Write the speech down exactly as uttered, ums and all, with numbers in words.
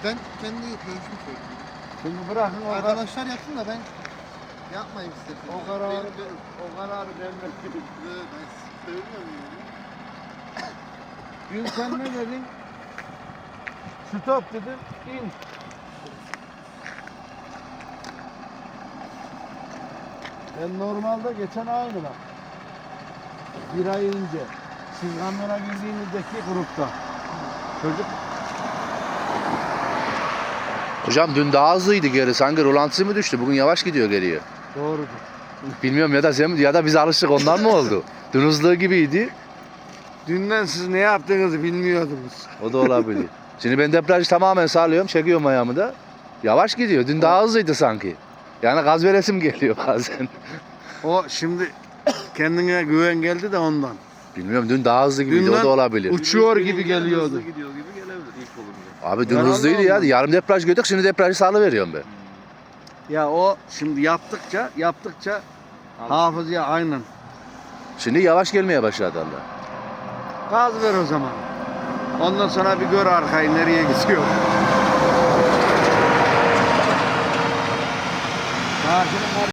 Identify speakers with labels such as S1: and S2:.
S1: Ben kendi görüşümü söyleyeyim.
S2: Şimdi bırakın o,
S1: Arkadaşlar yapsın da ben yapmayayım istedim.
S2: o kararı,
S1: Benim de-
S2: o kararı ben verdim.
S1: Ee, Ben söylemiyorum yani.
S2: Dün sen ne dedin? Stop dedin, in. Ben normalde geçen aynı bak. Bir ay önce siz kamera girdiğinizdeki grupta. Çocuk
S3: Hocam dün daha hızlıydı geri. Sanki rolantısı mı düştü? Bugün yavaş gidiyor geriye.
S2: doğrudur.
S3: Bilmiyorum ya da sen ya da biz alıştık ondan mı oldu? Dün hızlı gibiydi.
S2: Dünden siz ne yaptığınızı bilmiyordunuz.
S3: O da olabilir. Şimdi ben debriyajı tamamen sağlıyorum. Çekiyorum ayağımı da. Yavaş gidiyor. Dün daha hızlıydı sanki. Yani gaz veresim geliyor bazen.
S2: O şimdi kendine güven geldi de ondan.
S3: Bilmiyorum dün daha hızlı gibiydi.
S2: Dünden
S3: o da olabilir.
S2: Uçuyor gibi geliyordu.
S4: Hızlı gidiyor gibi gelebilir ilk olunca.
S3: Abi dün
S2: Herhalde
S3: hızlıydı ya.
S2: ondan.
S3: Yarım debriyaj gördük. Şimdi debriyajı sağlıveriyorum ben.
S2: Ya o şimdi yaptıkça yaptıkça hafızaya aynen.
S3: Şimdi yavaş gelmeye başladı Allah.
S2: Gaz ver o zaman. Ondan sonra bir gör arkayı nereye gidiyor. Sakinim var.